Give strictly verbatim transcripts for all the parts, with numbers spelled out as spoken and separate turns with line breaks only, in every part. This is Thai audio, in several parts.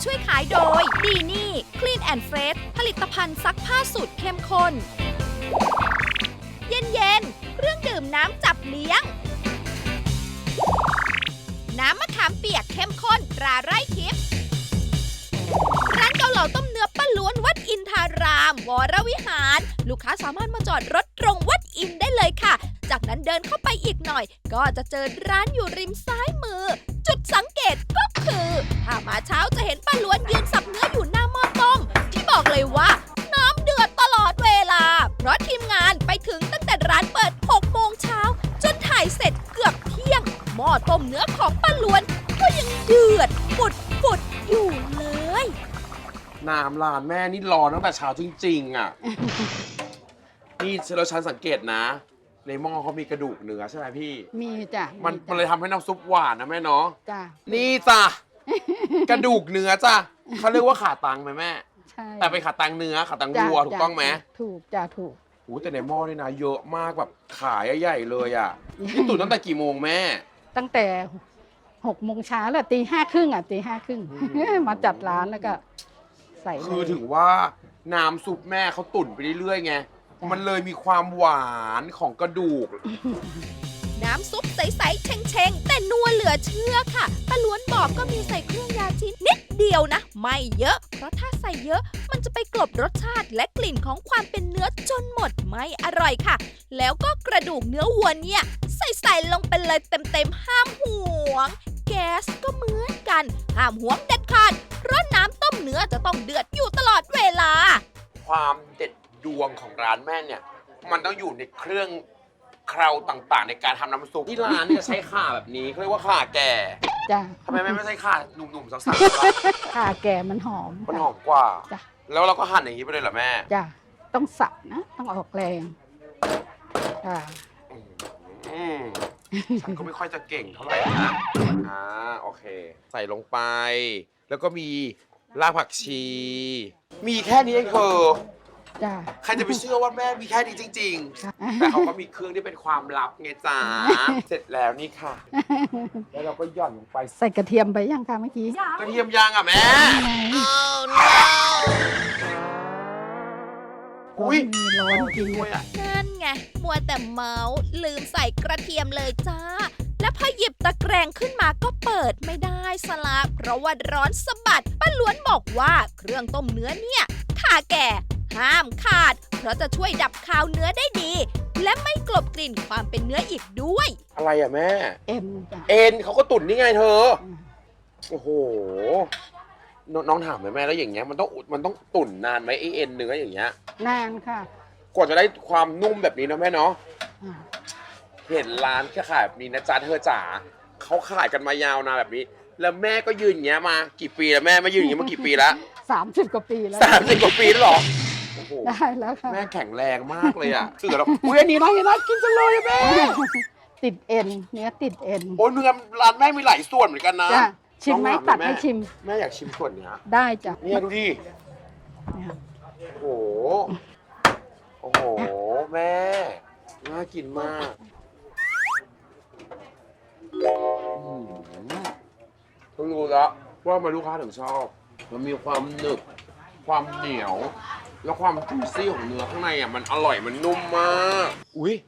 ช่วยขายโดยดีนี่ Clean and Fresh ผลิตภัณฑ์ซักผ้าสูตรเข้มข้น เย็นๆเครื่องดื่มน้ำจับเลี้ยง น้ำมะขามเปียกเข้มข้นตราไร่ทิพย์ร้านเกาเหลาต้มเนื้อป้าล้วนวัดอินทาราม วรวิหาร ลูกค้าสามารถมาจอดรถตรงวัดอินได้เลยค่ะ จากนั้นเดินเข้าไปอีกหน่อย ก็จะเจอร้านอยู่ริมซ้ายมือ จุดสังเกตก็คือถ้ามาเช้าจะเห็นป้าล้วนยืนสับเนื้ออยู่หน้าหม้อต้ม ที่บอกเลยว่าน้ำเดือดตลอดเวลา เพราะทีมงานไปถึงตั้งแต่ร้านเปิดหกโมงเช้าจนถ่ายเสร็จเกือบเที่ยงหม้อต้มเนื้อของป้าล้วนก็ยังเดือดปุดปุดอยู่เลย
น้ำร้านแม่นี่ร้อนตั้งแต่เช้าจริงๆอ่ะ นี่เราฉันสังเกตนะ ในหม้อเขามีกระดูกเนื้อใช่ไหมพี่
มีจ้ะ
มันมันเลยทำให้น้ำซุปหวานนะแม่เนาะ
จ้ะ
นี่จ้ะ กระดูกเนื้อจ้ะเขาเรียกว่าขาตังไหมแม่
ใช่
แต่เป็นขาตังเนื้อขาตัง
จ้ะ
วัวถูกต้องไหม
ถูกจ้ะถูก
โอ้แต่ในหม้อนี่นะเยอะมากแบบขายใหญ่ๆเลยอ่ะ นี่ตุ๋นตั้งแต่กี่โมงแม่
ตั้งแต่หกโมงเช้าแล้วตีห้าครึ่งอ่ะตีห้าครึ่ง
อืม
มาจัดร้านแล้วก็ใส่เลย
คือถึงว่าน้ำซุปแม่เขาตุ๋นไปเรื่อยๆไง
จ้ะ
มันเลยมีความหวานของกระดูก
น้ำซุปใสๆเชงๆแต่นัวเหลือเชื่อค่ะป้าล้วนบอกก็มีใส่เครื่องยาจีนนิดเดียวนะ ไม่เยอะ เพราะถ้าใส่เยอะมันจะไปกลบรสชาติและกลิ่นของความเป็นเนื้อจนหมดไม่อร่อยค่ะ แล้วก็กระดูกเนื้อวัวเนี่ยใส่ๆลงไปเลยเต็มๆห้ามห่วง แก๊สก็เหมือนกันห้ามห่วงเด็ดขาดเพราะน้ำต้มเนื้อจะต้องเดือดอยู่ตลอดเวลา
ความเด็ดดวงของร้านแม่เนี่ย มันต้องอยู่ในเครื่องเคราต่างๆ ในการทำน้ำซุปที่ร้านเนี่ยใช้ข่าแบบนี้เขาเรียกว่าข่าแก่
จ้ะ
ทำไมแม่ไม่ใช้ข่าหนุ่มๆสักๆล่ะ
ข่าแก่มันหอม
มันหอมกว่า
จ้ะ
แล้วเราก็หั่นอย่างนี้ไปเลยเหรอแม่
จ้ะต้องสับนะ ต้องออกแรงจ้ะ
อืมฉันก็ไม่ค่อยจะเก่งเท่าไหร่นะอ่าโอเค ใส่ลงไป แล้วก็มีรากผักชี มีแค่นี้เองเธอ
จ้ะ
ใครจะไปเชื่อว่าแม่มีแค่นี้จริง
ค่ะ
ๆ แต่เขาก็มีเครื่องที่เป็นความลับไงจ๊ะ เสร็จแล้วนี่ค่ะ แล้วเราก็หย่อนลงไป
ใส่กระเทียมไปยังคะเมื่อกี้
กระเทียมยางอ่ะแม่ อุ้ย
มีร้อนจริง
ด้วยอ่ะ
นั่นไง มัวแต่เมาส์ลืมใส่กระเทียมเลยจ้า และพอหยิบตะแกรงขึ้นมาก็เปิดไม่ได้สละเพราะว่าร้อนสะบัดป้าล้วนบอกว่าเครื่องต้มเนื้อเนี่ยข่าแก่ห้ามขาด เพราะจะช่วยดับคาวเนื้อได้ดี และไม่กลบกลิ่นความเป็นเนื้ออีกด้วย
อะไรอ่ะแม่
เอ็นจ้ะ
เอ็นเขาก็ตุ๋นนี่ไงเธอ
อืม
โอ้โหนน้องถามไหมแม่แล้วอย่างเงี้ยมันต้องมันต้องตุ๋นนานไหมไอเอ็นเนื้ออย่างเงี้ย
นานค่ะ
กว่าจะได้ความนุ่มแบบนี้นะแม่เนาะ
อ่า
เห็นร้านขายแบบนี้นะจ๊ะเธอจ๋าเขาขายกันมายาวนานแบบนี้ แล้วแม่ก็ยืนอย่างเงี้ยมากี่ปีแล้วแม่ไม่ยืนอย่างเงี้ยมากี่ปีแล้ว
สามสิบกว่าปีแล้ว
สามสิบกว่าปีแล้วเหรอโอ้โห
ได้แล้วค่ะ
แม่แข็งแรงมากเลยอ่ะคือเราอุ้ยอันนี้น่าน่ากินจังเลยอะแม่
ติดเอ็นเนื้อติดเอ็น
โอ้ยเนื้อร้านแม่มีหลายส่วนเหมือนกันนะ
จ้ะชิมไหม
น้องถา
ตัด
แม่
ให้ชิม
แม่อยากชิมส่วนเนี้ย
ได้จ้ะ
เนี่ยดูดิ
เนี่ย
โอ้โห โอ้โห แม่ น่ากินมากอืมต้องรู้แล้วว่ามาลูกค้าถึงชอบ มันมีความหนึบ ความเหนียว แล้วความจุยซี่ของเนื้อข้างในอ่ะ มันอร่อย มันนุ่มมาก อุ๊ย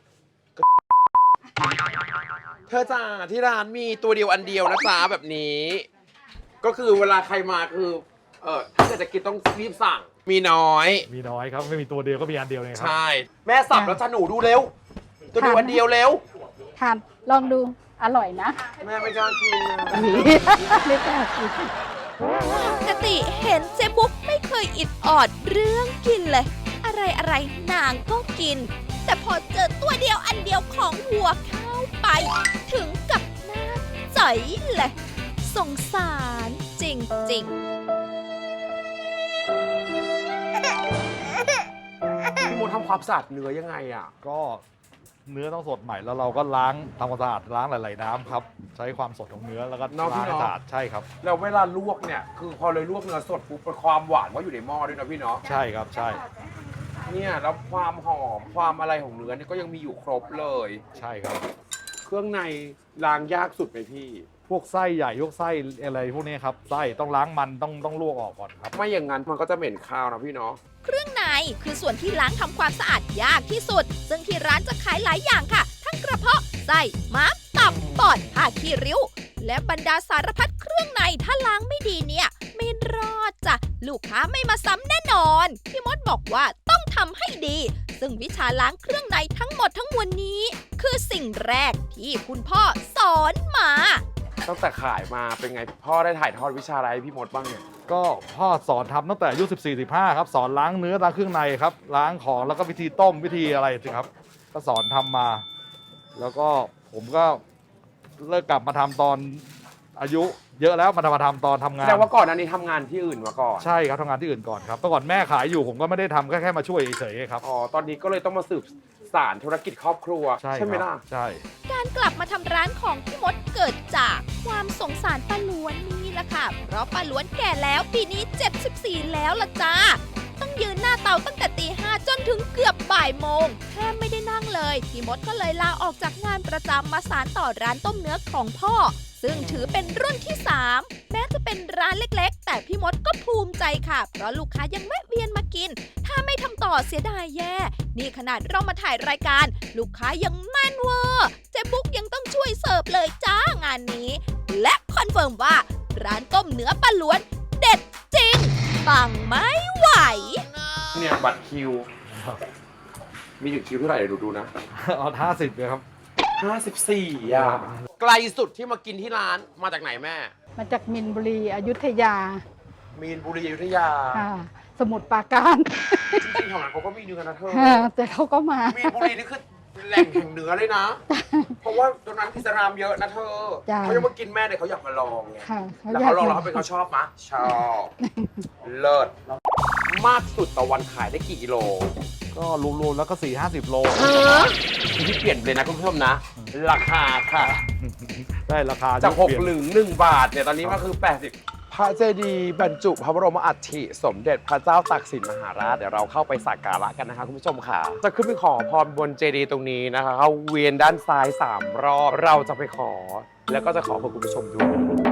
เธอจ้าที่ร้านมีตัวเดียวอันเดียวนะจ๊ะแบบนี้ ก็คือเวลาใครมาคือ เออถ้าเกิดจะกินต้องรีบสั่ง มีน้อย
มีน้อยครับ ไม่มีตัวเดียวก็มีอันเดียวเลยครั
ใช่ แม่สับแล้วจะหนูดูเร็ว ตัวเดียวอันเดียวเร็ว
ทานลองดูอร่อยนะ
แม่ไม่กล้ากินนะ
ไม่กล้ากิน
ปกติเห็นเจ๊บุ๊กไม่เคยอิดออดเรื่องกินเลย อะไรอะไรๆนางก็กิน แต่พอเจอตัวเดียวอันเดียวของวัวเข้าไป ถึงกับหน้าจ๋อยเลยสงสารจริงๆ
พี่มดทำความสะอาดเนื้อยังไงอ่ะ
ก็เนื้อต้องสดใหม่แล้วเราก็ล้างทำความสะอาดล้างหลายๆน้ำครับ ใช้ความสดของเนื้อแล้วก็
เนาะพี่
ล้างให้
เนาะ
สะอาดใช่ครับ
แล้วเวลาลวกเนี่ย คือพอเลยลวกเนื้อสดปุ๊บเป็นความหวานว่าอยู่ในหม้อด้วยนะพี่เนาะ
ใช่ครับใช่
เนี่ยแล้วความหอมความอะไรของเนื้อเนี่ยก็ยังมีอยู่ครบเลย
ใช่ครับ
เครื่องในล้างยากสุดไหมพี่
พวกไส้ใหญ่พวกไส้อะไรพวกนี้ครับไส้ต้องล้างมันต้องต้องลวกออกก่อนครับ
ไม่อย่างนั้นมันก็จะเหม็นคาวนะพี่เนาะ
เครื่องในคือส่วนที่ล้างทำความสะอาดยากที่สุด ซึ่งที่ร้านจะขายหลายอย่างค่ะ ทั้งกระเพาะไส้ม้ามตับปอดผ้าขี้ริ้ว และบรรดาสารพัดเครื่องในถ้าล้างไม่ดีเนี่ยไม่รอดจ้ะลูกค้าไม่มาซ้ำแน่นอนพี่มดบอกว่าต้องทำให้ดี ซึ่งวิชาล้างเครื่องในทั้งหมดทั้งมวลนี้ คือสิ่งแรกที่คุณพ่อสอนมา
ตั้งแต่ขายมาเป็นไงพ่อได้ถ่ายทอดวิชาอะไรให้พี่มดบ้างเนี่ย
ก็พ่อสอนทำตั้งแต่อายุสิบสี่ สิบห้าครับสอนล้างเนื้อล้างเครื่องในครับล้างของแล้วก็วิธีต้มวิธีอะไรสิครับก็สอนทำมา แล้วก็ผมก็เลิกกลับมาทำตอนอายุเยอะแล้วมาทำมาทำตอนทำงาน
แสดงว่าก่อนอันนี้ทำงานที่อื่นมาก่อน
ใช่ครับทำงานที่อื่นก่อนครับเมื่อก่อนแม่ขายอยู่ผมก็ไม่ได้ทำแค่แค่มาช่วยเฉยๆครับ
อ๋อตอนนี้ก็เลยต้องมาสืบสานธุรกิจครอบครัว
ใช่
ไหม
ครั
ล่ะ
บใช่
การกลับมาทำร้านของพี่มดเกิดจากความสงสารป้าล้วนนี่แหละค่ะ เพราะป้าล้วนแก่แล้วปีนี้เจ็ดสิบสี่แล้วล่ะจ้า ต้องยืนหน้าเตาตั้งแต่ตีห้าจนถึงเกือบบ่ายโมงแทบไม่ได้นั่งเลย พี่มดก็เลยลาออกจากงานประจำมาสานต่อร้านต้มเนื้อของพ่อ ซึ่งถือเป็นรุ่นที่สามแม้จะเป็นร้านเล็กๆ แต่พี่มดก็ภูมิใจค่ะ เพราะลูกค้ายังแวะเวียนมากิน ถ้าไม่ทำต่อเสียดายแย่ นี่ขนาดเรามาถ่ายรายการ ลูกค้ายังแม่นเวอร์เจ๊บุ๊กยังต้องช่วยเสิร์ฟเลยจ้างานนี้ และคอนเฟิร์มว่า ร้านต้มเนื้อป้าล้วน เด็ดจริง ปังไม่ไหว
เนี่ยบัตรคิว มีถึงคิวเท่าไหร่เดี๋ยวดูดูนะ
เอาห้าสิบเลยครับ
ห้าสิบสี่อ่ะไกลสุดที่มากินที่ร้านมาจากไหนแม่
มาจากมินบุรีอยุธยา
มีนบุรีอยุธยา
ค่ะสมุทรปราการ
จริงๆแถวนั้นเขาก็มีเนื้อนะเธอ
ค่ะแต่เขาก็มา
มีนบุรีนี่คือแหล่งแห่งเนื้อเลยนะ เพราะว่าตรงนั้นอิสลามเยอะนะเธอ
จ้ะ
เขาจะมากินแม่เนี่ยเขาอยากมาลองไง
ค่ะ
แล้วเขาลองแล้วเขาเป็นเขาชอบมะชอบ เลิศมากสุดต่อวันขายได้กี่กิโล
ก็รวมๆแล้วก็สี่ห้าสิบโล
ที่เปลี่ยนเลยนะคุณผู้ชมนะ ราคาค่ะ
ได้ราคา
จากหก
เปลี่ยน
หลึงหนึ่งบาทเนี่ยตอนนี้มันคือแปดสิบพระเจดีย์บรรจุพระบรมอัฐิสมเด็จพระเจ้าตากสินมหาราชเดี๋ยวเราเข้าไปสักการะกันนะคะคุณผู้ชมค่ะ จะขึ้นไปขอพรบนเจดีย์ตรงนี้นะคะเขาเวียนด้านซ้ายสามรอบเราจะไปขอ แล้วก็จะขอเพื่อคุณผู้ชมด้วย